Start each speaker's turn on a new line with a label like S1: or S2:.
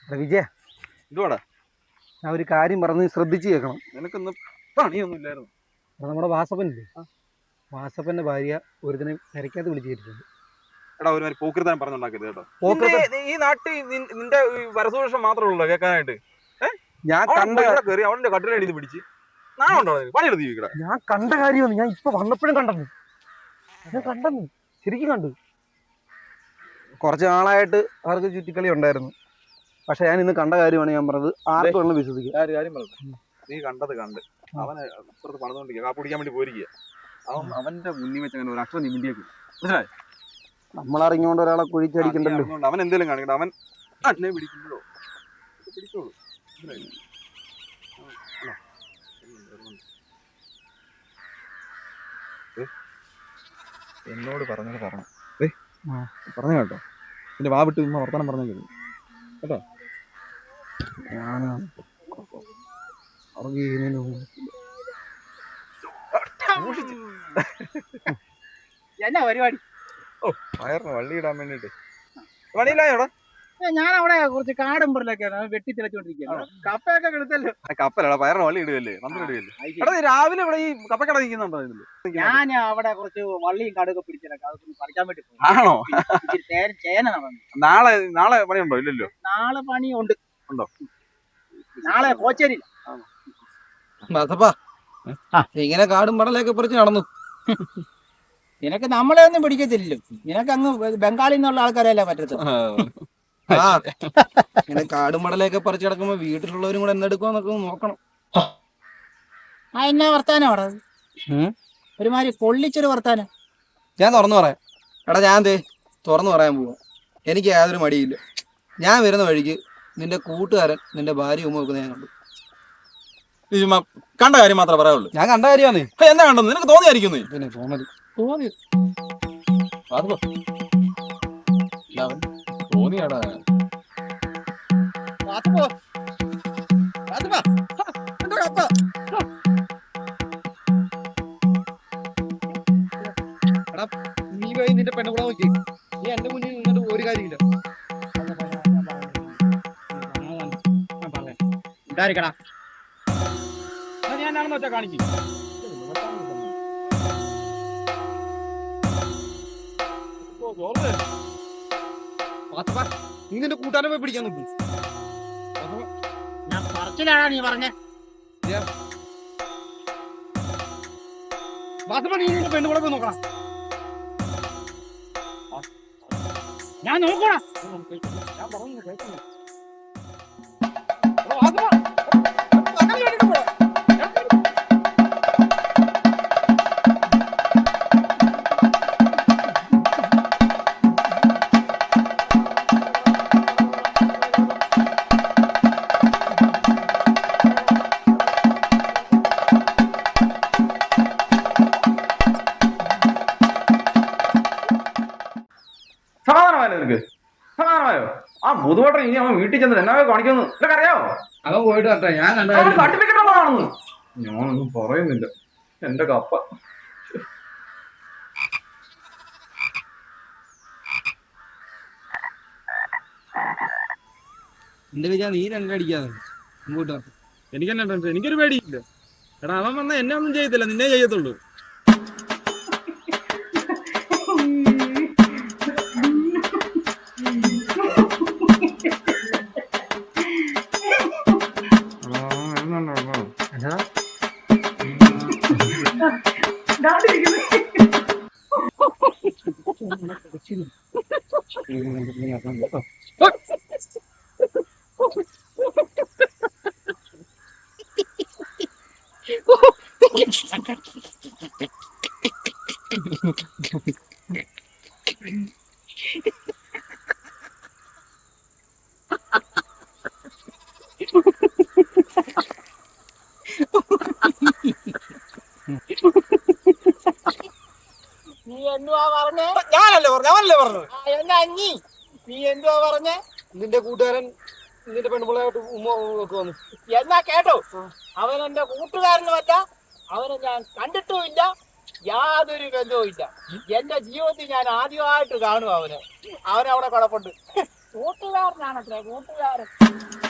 S1: വിജയ,
S2: എന്തുവാടാ?
S1: ഞാൻ ഒരു കാര്യം പറഞ്ഞ് ശ്രദ്ധിച്ച് കേൾക്കണം.
S2: നിനക്കൊന്നും പണിയൊന്നും ഇല്ലായിരുന്നു.
S1: നമ്മുടെ വാസപ്പനില്ലേ, വാസപ്പന്റെ ഭാര്യ ഒരുദിനെ പെരക്കകത്ത് വിളിച്ചു കയറ്റിട്ടുണ്ട്.
S2: എടാ, ഒരു പോക്കൃതാൻ പറഞ്ഞുണ്ടാക്കരുത് കേട്ടോ.
S1: പോക്കൃത്തൻ-
S2: ഈ നാട്ടിൽ നിന്റെ വരസൂഷം മാത്രമേ ഉള്ളൂ കേൾക്കാനായിട്ട്.
S1: ഞാൻ കണ്ട
S2: കയറി അവന്റെ കട്ടിലടി പിടിച്ച് നാളുണ്ടോ പണിയെടുത്ത്?
S1: ഞാൻ കണ്ട കാര്യമാണ്. ഞാൻ ഇപ്പൊ വന്നപ്പോഴും കണ്ടെന്ന്. ഞാൻ കണ്ടെന്ന്, ശരിക്കും കണ്ടു. കുറച്ച് നാളായിട്ട് അവർക്ക് ചുറ്റിക്കളി ഉണ്ടായിരുന്നു. പക്ഷെ ഞാൻ ഇന്ന് കണ്ട കാര്യമാണ് ഞാൻ പറഞ്ഞത്. ആർക്കും വേണം വിശ്വസിക്കുക.
S2: കാര്യം പറഞ്ഞു. നീ കണ്ടത് കണ്ട് അവനെ അപ്പുറത്ത് പണിതുകൊണ്ടിരിക്കുക, കാപ്പ് പിടിക്കാൻ വേണ്ടി പോയിരിക്കുക. അവന്റെ മുന്നിൽ വെച്ച് അങ്ങനെ ഒരു അക്ഷരം നിമിണ്ടിയേക്കും. മനസ്സിലായി?
S1: നമ്മളറിഞ്ഞുകൊണ്ട് ഒരാളെ കുഴിച്ചടിക്കണ്ടല്ലോ.
S2: അവൻ എന്തെങ്കിലും കാണിക്കട്ടെ. അവൻ അന്നെ പിടിക്കുമ്പോഴോ പിടിച്ചോളൂ. എന്നോട് പറഞ്ഞത് പറഞ്ഞു പറഞ്ഞു കേട്ടോ. എന്റെ വാ വിട്ട് വർത്തമാനം പറഞ്ഞു കേട്ടോ.
S3: എന്നാ പരിപാടി?
S2: വയറിന് വള്ളി ഇടാൻ വേണ്ടിട്ട് പണിയില്ലായോടാ?
S3: ഞാൻ അവിടെ കുറച്ച് കാടുമ്പറിലൊക്കെയാണ് വെട്ടി തിളച്ചോണ്ടിരിക്കുകയാണ്. കപ്പയൊക്കെ കിടത്തല്ലോ.
S2: കപ്പലടാ, വയറിന് വള്ളി ഇടുകയല്ലേ, നമ്മൾ ഇടുകയല്ലേ. എടാ, രാവിലെ ഇവിടെ ഈ കപ്പക്കട നിൽക്കുന്നുണ്ടോ?
S3: ഞാൻ അവിടെ കുറച്ച് വള്ളിയും കടുകൊക്കെ പിടിച്ചിട്ടൊക്കെ അതൊക്കെ പറിക്കാൻ വേണ്ടി പോകും.
S2: ആണോ?
S3: ചേന നടന്നു.
S2: നാളെ പണിയുണ്ടോ? ഇല്ലല്ലോ.
S3: നാളെ പണിയുണ്ട്.
S2: ഉണ്ടോ?
S3: നാളെ കോച്ചേരി.
S4: ഇങ്ങനെ കാടും പടലൊക്കെ പറിച്ച് നടന്നു.
S3: നിനക്ക് നമ്മളെ ഒന്നും പിടിക്കത്തില്ലല്ലോ. നിനക്ക് അങ്ങ് ബംഗാളിൽ നിന്നുള്ള ആൾക്കാരല്ലേ പറ്റത്തുള്ളൂ.
S4: ഇങ്ങനെ കാടും പടലൊക്കെ പറിച്ച് കിടക്കുമ്പോ വീട്ടിലുള്ളവരും കൂടെ എന്നെടുക്കുമെന്നൊക്കെ നോക്കണം.
S3: എന്നാ വർത്താനം അവിടെ ഒരുമാതിരി പൊള്ളിച്ചൊരു വർത്താനം.
S4: ഞാൻ തുറന്നു പറയാം. എടാ, ഞാൻ തുറന്നു പറയാൻ പോവാ. എനിക്ക് യാതൊരു മടിയില്ല. ഞാൻ വരുന്ന വഴിക്ക് നിന്റെ കൂട്ടുകാരൻ നിന്റെ ഭാര്യ ഉമ്മ വെക്കുന്ന ഞാൻ കണ്ടു.
S2: കണ്ട കാര്യം മാത്രമേ പറയാനുള്ളൂ.
S4: ഞാൻ കണ്ട കാര്യമാണ്.
S2: എന്താ കണ്ടത്? നിനക്ക് തോന്നിയായിരിക്കുന്നു.
S4: പിന്നെ തോന്നി
S2: തോന്നിയാടാ.
S4: നീ പോയി നിന്റെ പെണ്ണുകൂടെ നോക്കി. നീ എന്റെ മുന്നിൽ നിന്നിട്ട് ഒരു കാര്യമില്ല.
S3: ഉണ്ടായിരിക്കടാ. ഞാനാണെന്ന് വെച്ചാൽ കാണിക്കും.
S4: നീ നിന്റെ കൂട്ടാനെ പോയി പിടിക്കാൻ നോക്കും.
S3: ഞാൻ പറച്ചിലാണോ നീ പറഞ്ഞേ?
S4: നീ നിന്റെ പെണ്ണുകൂടെ പോയി നോക്കണം.
S3: ഞാൻ നോക്കണം.
S4: ഞാൻ പറഞ്ഞു കേൾക്കുന്നു.
S2: സമാധാനമായോ നിനക്ക്? സമാധാനമായോ? ആ ബുധവട്ടം ഇനി അവൻ വീട്ടിൽ ചെന്നിട്ട് എന്നാ കാണിക്കുന്നു നിനക്ക് അറിയാവോ?
S4: അവൻ പോയിട്ട് വരട്ടെ. ഞാൻ
S2: സർട്ടിഫിക്കറ്റ് ഉള്ളതാണെന്ന് ഞാനൊന്നും പറയുന്നില്ല. എന്റെ കപ്പ
S4: എന്റെ വിചാരം നീ രണ്ടടിക്കാതെ മുമ്പോട്ട്.
S5: എനിക്കെന്നാ ടെൻഷൻ? എനിക്കൊരു പേടിയില്ല. എടാ, അവൻ വന്ന എന്നെ ഒന്നും ചെയ്യത്തില്ല, നിന്നെ ചെയ്യത്തുള്ളൂ.
S3: നീ എന്തുവാ പറഞ്ഞേ?
S4: ഞാനല്ലേ പറഞ്ഞു.
S3: എന്നാ നീ എന്തുവാ പറഞ്ഞേ?
S4: നിന്റെ കൂട്ടുകാരൻ നിന്റെ പെണ്ണുപിള്ളയായിട്ട് ഉമ്മ ഒക്കെ വന്നു.
S3: എന്നാ കേട്ടോ, അവൻ എന്റെ കൂട്ടുകാരനുമല്ല, അവനെ ഞാൻ കണ്ടിട്ടുമില്ല, യാതൊരു ബന്ധവും ഇല്ല. എന്റെ ജീവിതത്തിൽ ഞാൻ ആദ്യമായിട്ട് കാണും അവനെ. അവനവിടെ കുഴപ്പമുണ്ട്. കൂട്ടുകാരനാണത്രേ കൂട്ടുകാരൻ.